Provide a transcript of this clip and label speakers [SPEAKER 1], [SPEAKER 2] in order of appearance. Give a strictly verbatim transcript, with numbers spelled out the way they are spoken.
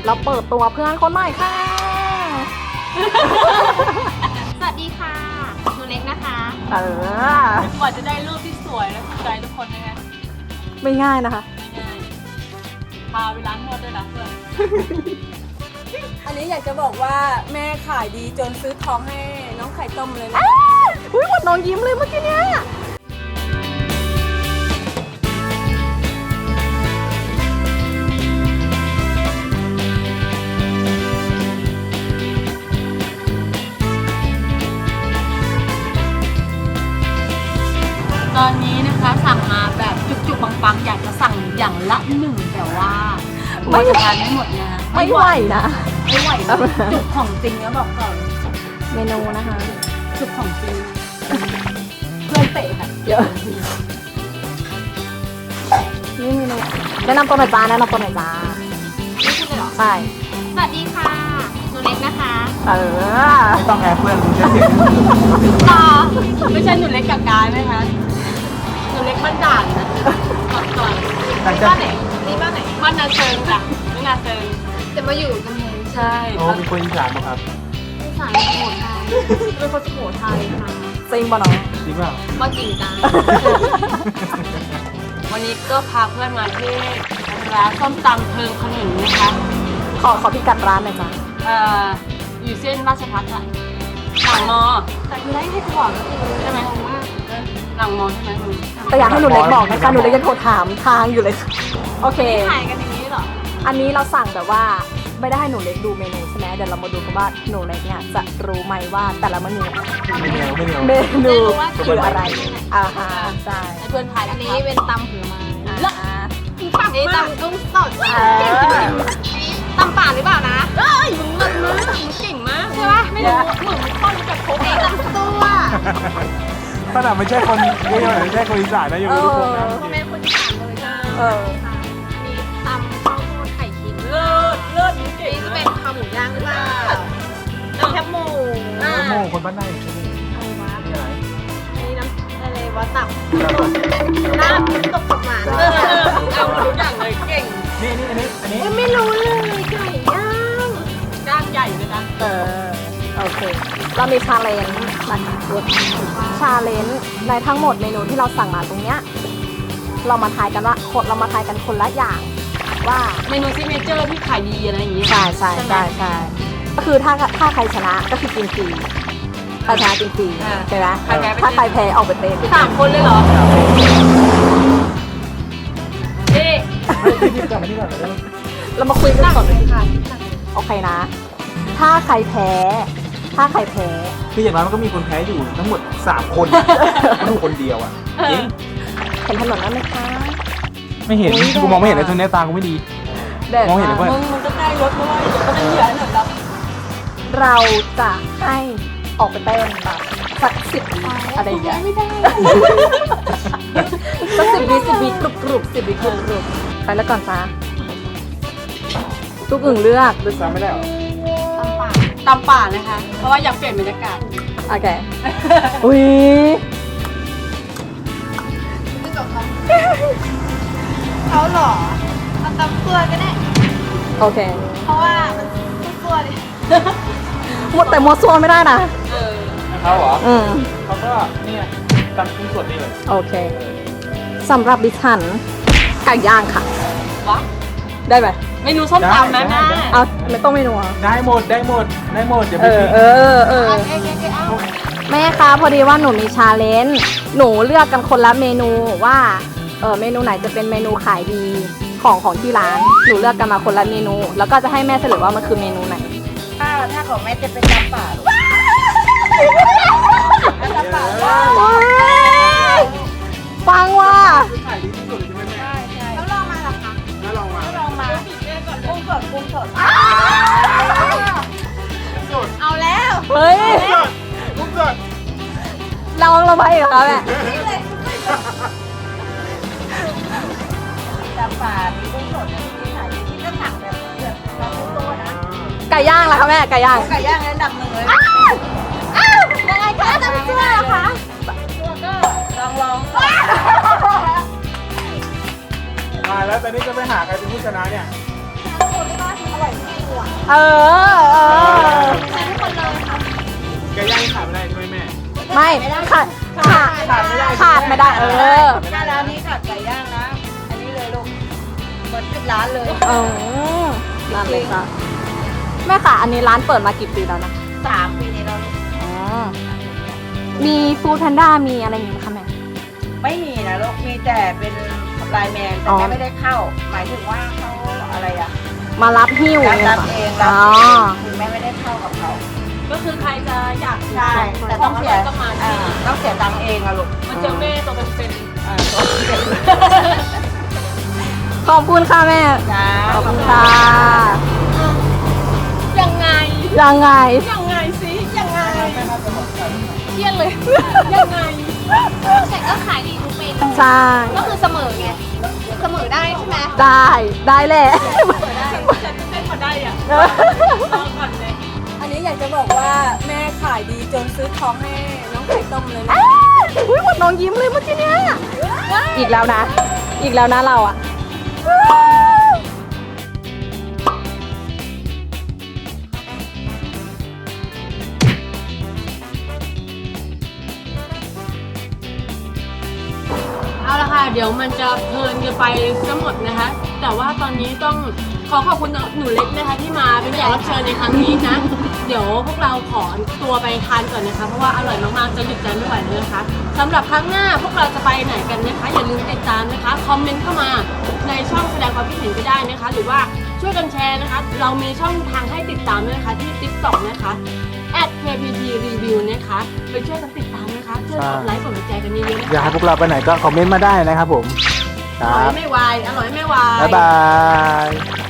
[SPEAKER 1] เราเปิดตัวเพื่อนคนใหม่ค่ะ
[SPEAKER 2] สวัสดีค่ะหนูเล็กนะคะ
[SPEAKER 1] เออก
[SPEAKER 2] ว่าจะได้รูปที่สวยและถูกใจทุกคนนะคะ
[SPEAKER 1] ไม่ง่ายนะคะ
[SPEAKER 2] ไม่ง่ายพาไปร้านนวดด้วยนะเพื่อน
[SPEAKER 3] อันนี้อยากจะบอกว่าแม่ขายดีจนซื้อทองให้น้องไข่ต้มเลยนะ
[SPEAKER 1] อุ้ยหมดน้องยิ้มเลยเมื่อกี้เนี้ย
[SPEAKER 2] ตอนนี้นะคะสั่งมาแบบจุกๆปังๆอยากจะสั่งอย่างละหนึ่งแต่ว่าไม่ทานไม่หมดนะ
[SPEAKER 1] ไม่ไหวนะ
[SPEAKER 2] ไม่ไหวนะจุกของจริงแล้วบอกก่อน
[SPEAKER 1] เมนูนะคะ
[SPEAKER 2] จุกของจริงเพื่อนเตะค่ะ
[SPEAKER 1] เยอะนี่เมนูแนะนำตัวหน่อยจ้าแนะนำตัวหน่อยจ้า
[SPEAKER 2] ไม่พูดเลยเหรอ
[SPEAKER 1] ใช่
[SPEAKER 2] สวัสดีค่ะหนูเล็กนะคะ
[SPEAKER 1] เออ
[SPEAKER 4] ไม่ต้องแอบเพื่อนมึงจะเสียง
[SPEAKER 2] ต่อไม่ใช่หนูเล็กกับกายไหมคะหนูเล็กบ้านด่านนะก่อนก่อน
[SPEAKER 4] หลังจาก
[SPEAKER 2] บ้านไหนนี่บ้านไหนบ้านนาเชิงจ้ะนี่นาเชิงจะมาอยู่กำแพงใช่
[SPEAKER 4] โอ้เป็นคนอีสานป่ะครับ
[SPEAKER 2] อีสานสุโขทัยเป็นคนสุโขทัยค่ะ
[SPEAKER 1] จริงป่ะน้อง
[SPEAKER 4] จริงเปล่า
[SPEAKER 2] มาจริงจังวันนี้ก็พาเพื่อนมาที่ร้านส้มตำเพิงขนุนนะคะ
[SPEAKER 1] ขอขอพิกัดร้านหน่อยจ้า
[SPEAKER 2] เอ่ออยู่เส้นราชพัฒน์ค่ะหลังมอแต่คือได้ให้ก่อนใช่ไหมหลังมอใช่ไหมมึง
[SPEAKER 1] แต่อยากให้หนูเล็กบอกนะคะหนูเล็กยังโทรถามทางอยู่เลยค่ะโอเค
[SPEAKER 2] ถ่ายกันอย่างนี้เหรอ
[SPEAKER 1] อันนี้เราสั่งแบบว่าไม่ได้ให้หนูเล็กดูเมนูใช่ไหมเดี๋ยวเรามาดูกันว่าหนูเล็กเนี่ยจะรู้ไหมว่าแต่ละเมนู
[SPEAKER 4] ไม่เหนียวไม่เหนียว
[SPEAKER 1] เมนู
[SPEAKER 2] ไม่รู้ว่า
[SPEAKER 1] คืออะไรอ่าฮะใช่
[SPEAKER 2] ให้เพื่อนถ่ายอันนี้เป็นตำผลไม้
[SPEAKER 1] อ่าฮะ
[SPEAKER 2] นี่ตำกุ้งสด
[SPEAKER 1] เออ
[SPEAKER 2] ตำป่าหรือเปล่านะเอ้ยมึงเลิศมากมึงเก่งมากใช่ปะไม่รู้เหมือนมึงต้นกับโค้กเองตำตัว
[SPEAKER 4] ขนาดไม่ใช่คนไม่ใช่คนอีสานนะยังไม่รู้คนนะ
[SPEAKER 2] พ่อแม่คนอีสานเลยนะ
[SPEAKER 1] เออ
[SPEAKER 2] มีตำข้าวโพดไข่ชิ้นเลิศเลิศนี่เก่งนี่จะเป็นข้าวหมูย่างหรือเปล่าแคบหมูอ่า
[SPEAKER 4] โม่คนบ้านไหนใช่ไหม
[SPEAKER 2] อะไรวะ
[SPEAKER 4] ที่ไหน
[SPEAKER 2] นี่น้ำอะไรวะตับน้ำตกตกหวานเออเอาหมดทุกอย่างเลยเก่ง
[SPEAKER 4] นี่นี่อันนี้อันนี้
[SPEAKER 2] ไม่รู้เลยไก่ย่างย่างใหญ่เลยนะ
[SPEAKER 1] เออโอเคเรามีชาเลนจ์นะคะชาเลนจ์ในทั้งหมดเมนูที่เราสั่งมาตรงเนี้ยเรามาทายกันว่าคนเรามาทายกันคนละอย่างว่า
[SPEAKER 2] เมนูซิกเนเจอร์ที่ขายดีอะไรอย่างเงี้ย
[SPEAKER 1] ใช่ใช่ใช่ใช่ก็คือถ้าถ้าใครชนะก็คือกินฟรีใครชนะกินฟรีใช่ไหมถ้าใครแพ้ออกไปเต้น
[SPEAKER 2] สามคนเลยเหรอนี่
[SPEAKER 4] ที่ที่กลับมาที่ก่อนเลย
[SPEAKER 1] เรามาคุยกันก่อนเลยค่ะโอเคนะ ถ้าใครแพ้ ถ้าใครแพ้
[SPEAKER 4] คืออย่างน้อยมันก็มีคนแพ้อยู่ทั้งหมดสามคนไม่ถูกคนเดียวอ่ะจริง
[SPEAKER 1] เห็นถนนนั้นไหมคะ
[SPEAKER 4] ไม่เห็นกูมองไม่เห็นเลยตรงนี้ตากูไม่ดี
[SPEAKER 1] แดด
[SPEAKER 4] มองเห็นหรือเปล่า
[SPEAKER 1] มึงมันก็ใกล้รถด้วยเดี๋ยวก็จะเหยียบถนนดำเราจะให้ออกไปเต้นแบบสักสิบอะไรอย่างเงี้ย
[SPEAKER 2] ไม่ได้
[SPEAKER 1] สักสิบวิสิบวิกรุบกรุบสิบวิกรุบกรุบไปแล้วก่อนจ้าทุกอึ่งเลือก
[SPEAKER 4] ด้วยซ้ำไม่ได้หรอ
[SPEAKER 2] ตำป่าตำป่านะคะ เพราะว่าอยากเปลี่ยนบรรยากาศ
[SPEAKER 1] โอเคอุ้ย
[SPEAKER 2] เขาหรอเอาตำตัวก็ได้
[SPEAKER 1] โอเค
[SPEAKER 2] เพราะว่ามันตัวดิ
[SPEAKER 1] หมดแต่มัวซัวไม่ได้นะ
[SPEAKER 2] เออ
[SPEAKER 4] เขาเหรอ
[SPEAKER 1] อืม
[SPEAKER 4] เขาก็เนี่ยตำกุ้งสดนี่เลย
[SPEAKER 1] โอเคสำหรับดิฉันไก่ย่างค่ะ
[SPEAKER 2] วะ
[SPEAKER 1] ได้ไหม
[SPEAKER 2] เมนูส้มตำนะแม่
[SPEAKER 1] เอาไม่ต้องเมนูอ่ะ
[SPEAKER 4] ได้หมดได้หมดได้หมดอย่า
[SPEAKER 1] เอ
[SPEAKER 4] ไป
[SPEAKER 1] อ
[SPEAKER 4] คิด
[SPEAKER 1] เออเออ
[SPEAKER 2] เอ้ยเอ้ยเอ้ยเอา
[SPEAKER 1] แม่คะพอดีว่าหนูมีชาเลนจ์หนูเลือกกันคนละเมนูว่าเออเมนูไหนจะเป็นเมนูขายดีของของที่ร้าน หนูเลือกกันมาคนละเมนู แล้วก็จะให้แม่เฉลยว่ามันคือเมนูไหน
[SPEAKER 2] ถ้าถ้าของแม่จะเป็นตำป่า
[SPEAKER 1] ฟังว่า
[SPEAKER 4] ขายดีที่สุดใช่ไหมแม่
[SPEAKER 2] แล้วลองมาหรอคะ
[SPEAKER 4] แล้วลองมา
[SPEAKER 2] ลองมากุ้งสดกุ้งสดเอาแล้ว
[SPEAKER 1] เฮ้ย
[SPEAKER 4] กุ้งสด
[SPEAKER 1] เราเราไปเหรอคะแม่
[SPEAKER 2] ตำป่ามีกุ้งสดที่ขายดีที่ก็สั่งแบบแบบเราตัวนะ
[SPEAKER 1] ไก่ย่างล่ะคะแม่ไก่ย่าง
[SPEAKER 2] ไก่ย่างอันดับหนึ่งเลย
[SPEAKER 1] ยังไงคะจะไม่เชื่อเหรอคะ
[SPEAKER 2] ตัวก็ลองลอง
[SPEAKER 4] มาแล้วตอนนี้จะไปหาใครเป็นผู้ชนะเนี่ย
[SPEAKER 2] อร่อย
[SPEAKER 1] เออเออ
[SPEAKER 4] ไก่ย่างขาดไม่ได้ใช่ไหมแม่
[SPEAKER 1] ไม่ขาดขาด
[SPEAKER 4] ขาดไม่ได้
[SPEAKER 1] ขาดไม่ได้เออ
[SPEAKER 3] ถ้าร้านนี้ขาดไก่ย่างนะ อันนี้เลยลูกหมดทุกร้านเลย
[SPEAKER 1] เออนั่นเลยค่ะแม่ค่ะ อันนี้ร้านเปิดมากี่ปีแล้วนะ
[SPEAKER 3] สามปีนี้เราลูก
[SPEAKER 1] อ๋อมีฟู้ดแพนด้ามีอะไรอย่างงี้ไหมคะแม่
[SPEAKER 3] ไม่มีนะลูกมีแต่เป็นไลน์แมนแต่
[SPEAKER 1] อ๋อ
[SPEAKER 3] แม่ไม่ได้เข้า หมายถึงว่าเขาอะไรอะ
[SPEAKER 1] มารับหิ้ว
[SPEAKER 3] รับ
[SPEAKER 1] นี่ย
[SPEAKER 3] รับเองรับ
[SPEAKER 1] อ๋อ
[SPEAKER 3] เองคือแม่ไม่ได้เข้ากับเขา
[SPEAKER 2] ก็คือใครจะอยาก
[SPEAKER 3] ใช่แต่ต้องเสีย
[SPEAKER 2] ต้องมา
[SPEAKER 3] อ่า
[SPEAKER 2] ที่
[SPEAKER 3] ต้องเสียตังค์เองอะลูก
[SPEAKER 2] มันเจอแม่ตัวเป็น
[SPEAKER 3] อ่าต้องเสีย
[SPEAKER 1] ขอบคุณค่ะแม่
[SPEAKER 3] จ้า
[SPEAKER 1] ขอบคุณค่ะ
[SPEAKER 2] ๆยังไง
[SPEAKER 1] ยังไง
[SPEAKER 2] ยังไงสิยังไงเครียดเลย ยังไง
[SPEAKER 5] แต่ก็ขายดีทุกเมนู
[SPEAKER 1] ใช่
[SPEAKER 5] ก็คือเสมอไง เสมอได้ใช่ไหม
[SPEAKER 1] ได้ได้แหละ
[SPEAKER 2] ฉันเต้นมาได้อ่ะรอก่อนเลย
[SPEAKER 3] อันนี้อยากจะบอกว่าแม่ขายดีจนซื้อทองให้น้องไข่ต้มเลยนะ
[SPEAKER 1] อุ้ยหมดน้องยิ้มเลยเมื่อกี้เนี้ยอีกแล้วนะ อีกแล้วนะเราอ่ะ
[SPEAKER 2] เอาละค่ะ เดี๋ยวมันจะเพลินกันไปทั้งหมดนะคะ แต่ว่าตอนนี้ต้องขอขอบคุณหนูเล็กนะคะที่มาเป็นแขกรับเชิญในครั้งนี้นะ เดี๋ยวพวกเราขอตัวไปทานก่อนนะคะ เพราะว่าอร่อยมากๆจะหยุดใจไม่ไหวเลยนะคะสำหรับครั้งหน้าพวกเราจะไปไหนกันนะคะ อย่าลืมติดตามนะคะคอมเมนต์เข้ามาในช่องแสดงความคิดเห็นก็ได้นะคะ หรือว่าช่วยกันแชร์นะคะ เรามีช่องทางให้ติดตามด้วยนะคะที่ ติ๊กต็อก นะคะ แอท เค พี ที รีวิว นะคะไปช่วยกันติดตามนะคะช่วยกดไลค์กดหัวใจกันเยอะๆนะ
[SPEAKER 4] อยาก
[SPEAKER 2] คะ
[SPEAKER 4] ให้พวกเราไปไหนก็คอมเมนต์มาได้นะครับผม ค
[SPEAKER 2] อ
[SPEAKER 4] รั
[SPEAKER 2] ร่อย
[SPEAKER 4] บ
[SPEAKER 2] ไม่วายอร่อยไม่วาย
[SPEAKER 4] บ๊ายบาย